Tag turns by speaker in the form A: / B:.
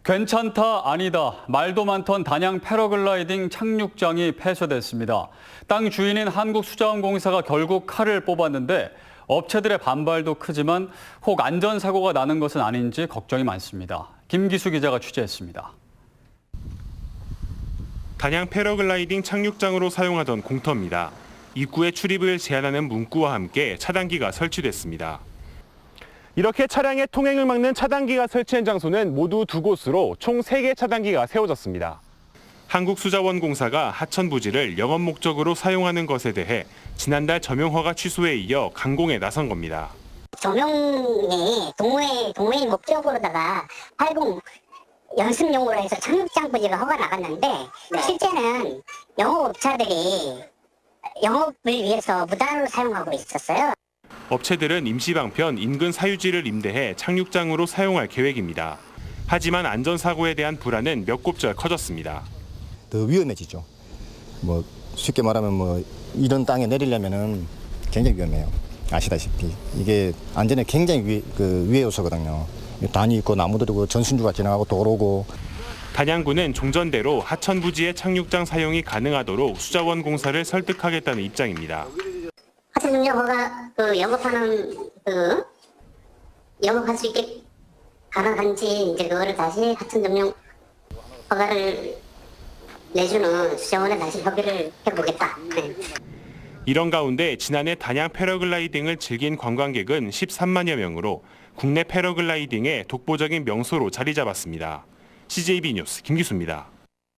A: 괜찮다 아니다 말도 많던 단양 패러글라이딩 착륙장이 폐쇄됐습니다. 땅 주인인 한국수자원공사가 결국 칼을 뽑았는데 업체들의 반발도 크지만 혹 안전사고가 나는 것은 아닌지 걱정이 많습니다. 김기수 기자가 취재했습니다.
B: 단양 패러글라이딩 착륙장으로 사용하던 공터입니다. 입구에 출입을 제한하는 문구와 함께 차단기가 설치됐습니다. 이렇게 차량의 통행을 막는 차단기가 설치한 장소는 모두 2곳으로 총 3개 차단기가 세워졌습니다. 한국수자원공사가 하천 부지를 영업 목적으로 사용하는 것에 대해 지난달 점용 허가 취소에 이어 강공에 나선 겁니다.
C: 점용이 동호회 목적으로다가 활공 연습용으로 해서 착륙장 부지가 허가 나갔는데 실제는 영업업자들이 영업을 위해서 무단으로 사용하고 있었어요.
B: 업체들은 임시방편 인근 사유지를 임대해 착륙장으로 사용할 계획입니다. 하지만 안전사고에 대한 불안은 몇 곱절 커졌습니다.
D: 더 위험해지죠. 쉽게 말하면 이런 땅에 내리려면은 굉장히 위험해요. 아시다시피 이게 안전에 굉장히 위해 요소거든요. 단이 있고 나무들이고 전신주가 지나가고 도로고.
B: 단양구는 종전대로 하천 부지의 착륙장 사용이 가능하도록 수자원공사를 설득하겠다는 입장입니다.
C: 하천 점용 허가 영업할 수 있게 가능한지 이제 그거를 다시 하천 점용 허가를 내주는 수자원에 다시 협의를 해보겠다. 네.
B: 이런 가운데 지난해 단양 패러글라이딩을 즐긴 관광객은 13만여 명으로 국내 패러글라이딩의 독보적인 명소로 자리 잡았습니다. CJB 뉴스 김기수입니다.